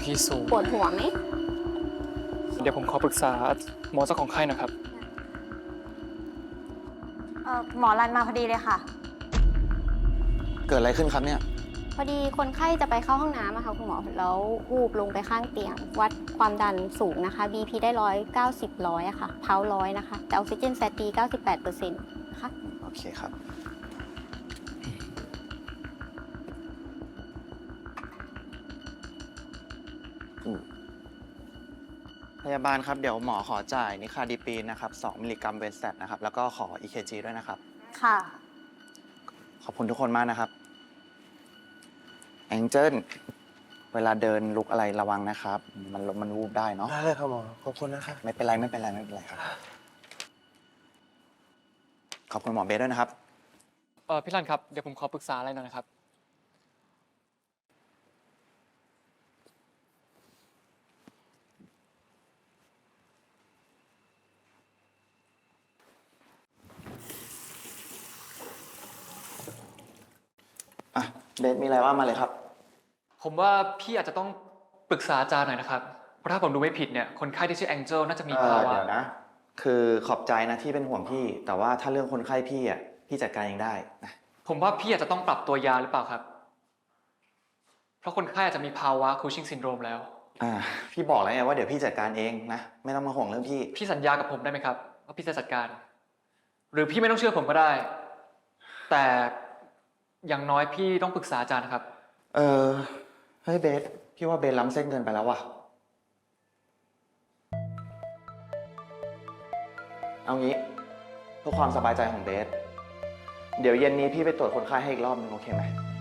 BP สูงปวดหัวไหมเดี๋ยวผมขอปรึกษาหมอเจ้าของไข้นะครับหมอรันมาพอดีเลยค่ะเกิดอะไรขึ้นครับเนี่ยพอดีคนไข้จะไปเข้าห้องน้ำอะค่ะคุณหมอแล้ววูบลงไปข้างเตียง วัดความดันสูงนะคะ BP ได้190อะค่ะเพา100นะคะแต่ออกซิเจนแฟตดี98%นะคะโอเคครับ พยาบาลครับ เดี๋ยวหมอขอจ่ายนิคาดิปีนนะครับ2 มิลลิกรัมเวนสแตทนะครับ แล้วก็ขอ EKG ด้วยนะครับค่ะขอบคุณทุกคนมากนะครับ แองเจิลเวลาเดินลุกอะไรระวังนะครับ มันวูบได้เนาะได้เลยครับหมอ ขอบคุณนะครับไม่เป็นไรครับ ขอบคุณหมอเบสด้วยนะครับพี่รันครับ เดี๋ยวผมขอปรึกษาอะไรหน่อยนะครับอ่ะ เบสมีอะไรว่ามาเลยครับผมว่าพี่อาจจะต้องปรึกษาอาจารย์หน่อยนะครับ เพราะถ้าผมดูไม่ผิดเนี่ย คนไข้ที่ชื่อแองเจิลน่าจะมีภาวะเดี๋ยวนะ คือขอบใจนะที่เป็นห่วงพี่ แต่ว่าถ้าเรื่องคนไข้พี่อ่ะ พี่จัดการเองได้นะผมว่าพี่อาจจะต้องปรับตัวยาหรือเปล่าครับ เพราะคนไข้อาจจะมีภาวะคูชิงซินโดรมแล้วพี่บอกแล้วไงว่าเดี๋ยวพี่จัดการเองนะ ไม่ต้องมาห่วงเรื่องพี่พี่สัญญากับผมได้ไหมครับว่าพี่จะจัดการ หรือพี่ไม่ต้องเชื่อผมก็ได้ แต่อย่างน้อยพี่ต้องปรึกษาอาจารย์นะครับเฮ้ยเบส พี่ว่าเบสล้ำเส้นเกินไปแล้วว่ะ เอางี้เพื่อความสบายใจของเบส เดี๋ยวเย็นนี้พี่ไปตรวจคนไข้ให้อีกรอบนึงโอเคไหม